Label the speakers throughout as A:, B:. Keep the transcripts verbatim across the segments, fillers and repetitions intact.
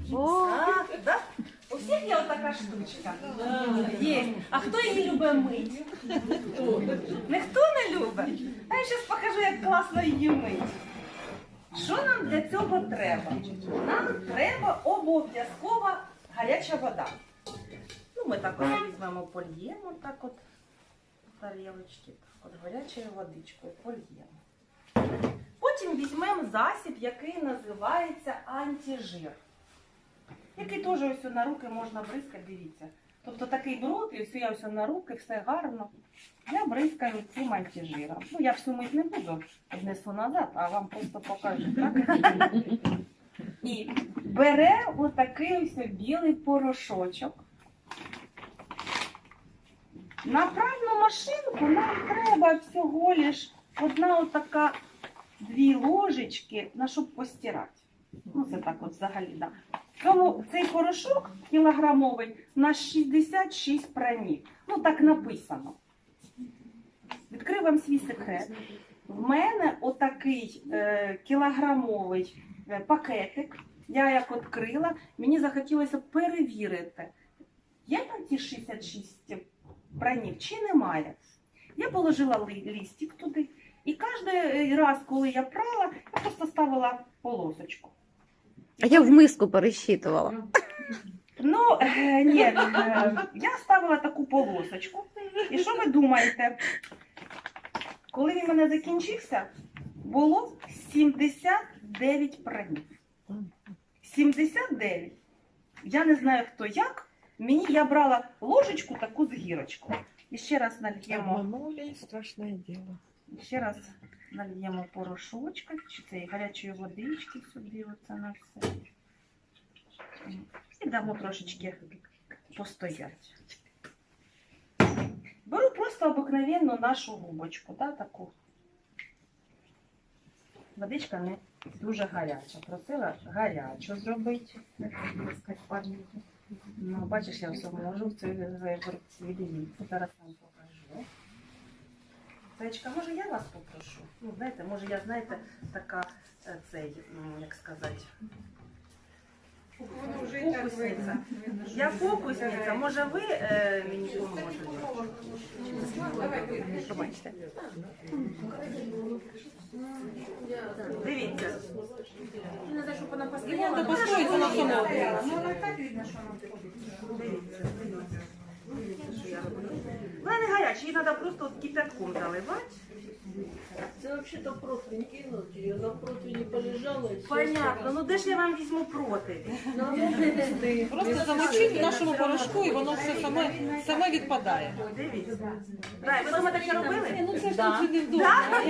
A: О,
B: А, да? У всіх є отака штучка. Є. А хто її любить мить? Ніхто не любить? А я зараз покажу, як класно її мить. Що нам для цього треба? Нам треба обов'язково гаряча вода. Ну, ми так от візьмемо, польємо, так от тарілочки, так от гарячою водичкою польємо. Потім візьмемо засіб, який називається антижир. Який теж ось на руки можна бризкати, дивіться. Тобто такий бруд, і ось я ось на руки, все гарно. Я бризкаю цим антижиром. Ну, я всю мить не буду, віднесу назад, а вам просто покажу, так? І бере отакий ось білий порошочок. На пральну машинку нам треба всього лиш одна отака, дві ложечки, на щоб постирати. Ну, це так от взагалі, да. Тому цей порошок кілограмовий на шістдесят шість пранів. Ну, так написано. Відкрию вам свій секрет. В мене отакий е, кілограмовий е, пакетик. Я як відкрила, мені захотілося перевірити, є там ті шістдесят шість пранів чи немає. Я положила листик туди. І кожен раз, коли я прала, я просто ставила полосочку.
A: а я в миску пересчитувала.
B: Ну, е, ні, е, я ставила таку полосочку. І що ви думаєте? Коли він в мене закінчився, було сімдесят дев'ять пранів. сімдесят дев'ять. Я не знаю, хто як. Мені я брала ложечку таку з гірочкою. І ще раз нальємо.
C: Обманули, страшне діло.
B: І ще раз нальємо порошочка, чи цієї гарячої водички сюди, оце на все. І дамо трошечки постоять. Беру просто обикновенну нашу губочку, да, таку. Водичка не дуже гаряча. Просила гарячу зробити. Ну, бачиш, я все можу в цій виборці. Дивіться, зараз вам покажу. Зайчка, може я вас попрошу? Ну, знаєте, може я, знаєте, така, е, цей, м, як сказати, фокусниця. Я фокусниця, може ви е, мені поможете? Побачите. Дивіться.
C: Треба постоїти на самому.
B: Дивіться, дивіться. Що я роблю? Вона не гаряча, її треба просто от кипятком заливати.
D: Це взагалі-то противень кинуть, я на противні полежала. і все.
B: Понятно, ну де ж я вам візьму проти?
C: Просто замочити в нашому порошку і воно все саме, саме відпадає.
B: Дивіться. Так, ви дома таке робили?
C: Ну це ж тут не вдома.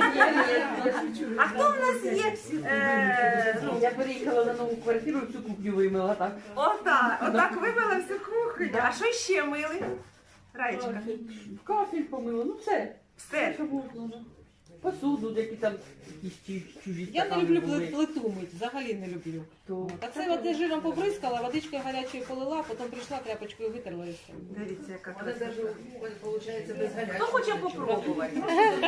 B: А хто в нас є? Е, ну,
E: Я переїхала на нову квартиру, всю кухню вимила, так?
B: отак, отак вимила всю кухню. А що ще мили? Раєчка.
E: Кафель помила, ну все.
B: Все.
E: Що можна. Посуду, які там якісь чу- чужі
C: Я не
E: стакани
C: люблю
E: були.
C: плит- плиту мить, взагалі не люблю.
E: То
C: Так це от я жиром побризкала, водичкою гарячою полила, потім прийшла тряпочкою витерла і все.
B: Дивіться, яка
D: Вона
B: красота.
D: навіть, виходить, без гарячого.
B: Хто хоче попробувати?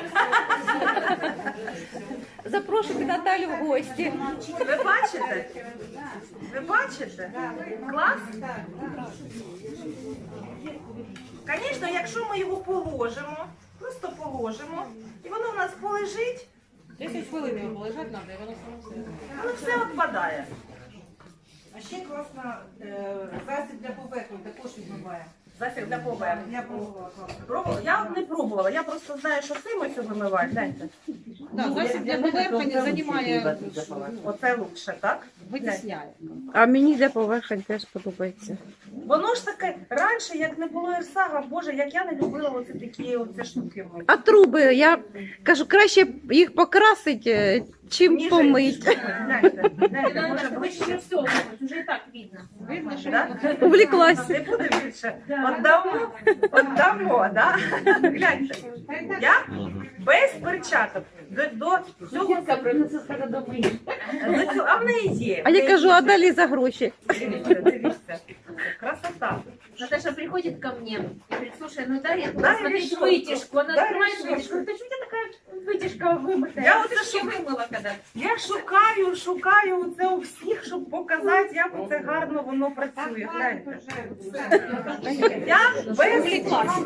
A: Запрошуйте Наталю в гості.
B: Ви бачите? Ви бачите? Клас? Звісно, якщо ми його положимо, просто положимо, і воно в нас полежить,
C: десять хвилин його полежати треба, і воно само все.
B: воно все відпадає.
F: А ще класно е, засіб для поверхні також відмиває.
B: Засіб для поверхні.
F: Я пробувала класно.
B: Пробувала? Я от не пробувала, я просто знаю, що цим ось вимивають. Гляньте.
C: Да, засіб для поверхні займає,
B: Оце лучше, так?
C: витісняє.
A: А мені для поверхень теж подобається.
B: Воно ж таке, раніше, як не було Ірсага, боже, як я не любила оці такі оці штуки мити.
A: А труби, я кажу, краще їх покрасити, чим
B: Ніже,
A: помить.
B: гляньте, гляньте, може ближче.
D: все, вже і так видно.
C: Видно, що
B: Да?
A: Увліклась.
B: Не буде більше. Отдамо, отдамо, да? Гляньте. Я без перчаток. До, до цього,
E: принесе скаже до мені.
B: до цього, а в неї є.
A: А
B: в
A: я
B: неї
A: кажу,
B: є.
A: а далі за гроші.
B: Дивіться, дивіться. красота.
G: Наташа приходит ко мне и говорит, слушай, ну дай я буду
B: Дай
G: смотреть
B: решетку.
G: вытяжку. Она
B: Дай
G: открывает
B: решетку.
G: вытяжку. Говорит, почему у тебя такая вытяжка вымытая?
B: Я
G: Я
B: вот
G: вот
B: это
G: еще вымыла когда.
B: Я шукаю, шукаю це у всіх, щоб показати, як це гарно воно працює. Гляньте. Я без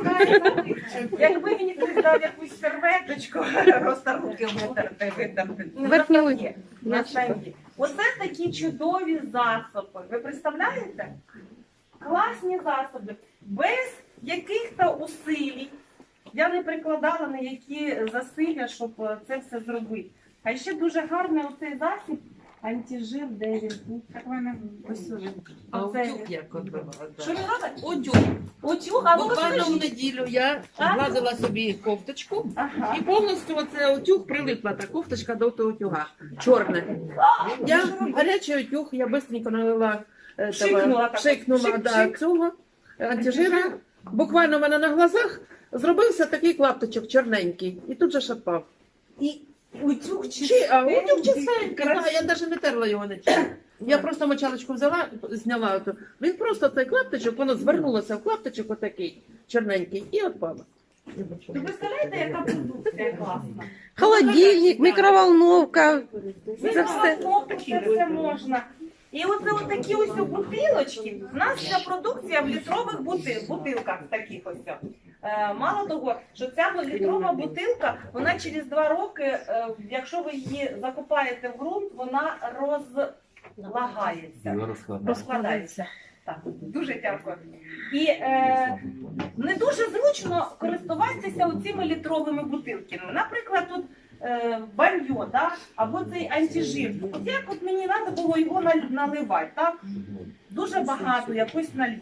B: якби мені хтось дав якусь серветочку, просто руки витерти, витерти. Не
A: Верхній
B: на
A: лист.
B: штангі, на штангі. Оце такі чудові засоби. Ви представляєте? Класні засоби. Без яких-то усилій. Я не прикладала на які засилля, щоб це все зробити. А ще дуже гарний оцей засіб. Антижир, де він? Як мене ось він.
E: А
B: Оце
E: утюг
B: він.
E: як от робила, да.
B: Що він робить?
E: Утюг.
B: Утюг, а ну
E: Буквально в
B: розкажіть.
E: неділю я
B: А?
E: гладила собі кофточку
B: Ага.
E: і повністю оце утюг прилипла та кофточка до того утюга. Чорне. Я гарячий утюг, я швидко налила е, того,
B: Пшикнула так.
E: пшикнула
B: Пшик,
E: да,
B: пшик.
E: цього антижира. Буквально в мене на глазах зробився такий клаптичок чорненький і тут же шатпав.
B: І утюг
E: Чи, а утюг
B: чистенький.
E: чистенький, да, я навіть не терла його нічим. Я просто мочалочку взяла, зняла ото. Він просто цей клаптичок, воно звернулося в клаптичок отакий чорненький і отпало.
B: Ви представляєте, яка продукція класна?
A: Холодильник, мікроволновка. Це все.
B: Це все можна. І оце от такі ось бутилочки. У нас вся продукція в літрових бути- бутилках таких ось. Е, Мало того, що ця літрова бутилка, вона через два роки, е, якщо ви її закопаєте в ґрунт, вона розлагається, розкладається. Так, дуже дякую. І е, не дуже зручно користуватися цими літровими бутилками. Наприклад, тут е, баньо, да? Або цей антижир. От як от мені треба було його наль- наливати, так? Дуже багато якось налью.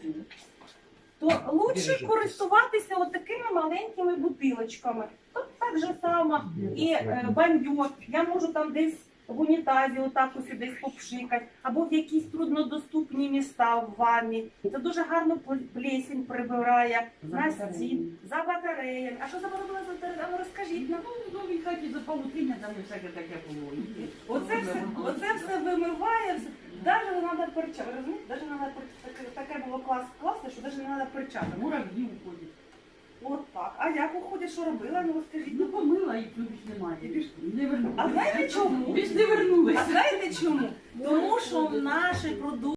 B: То лучше користуватися от такими маленькими бутилочками. Тут так же само і е, баньо. Я можу там десь в унітазі отак ось десь попшикати, або в якісь труднодоступні міста в ванні. Це дуже гарно плесінь прибирає на стін, за батареями. А що за батарея? Ну, розкажіть нам.
E: В новій хаті за павутиння там і всяке таке було.
B: Оце все, оце все вимиває, все. Даже не треба перчати. Ви розумієте? Даже не треба таке, таке було клас, класне, що навіть не треба перчати.
E: Мурав'ї уходять.
B: От так. А як уходить, що робила? Ну розкажіть.
E: Ну помила і тут більш немає. Не вернули.
B: А знаєте чому?
E: Більш не вернули.
B: А знаєте чому? Тому що в нашій продукції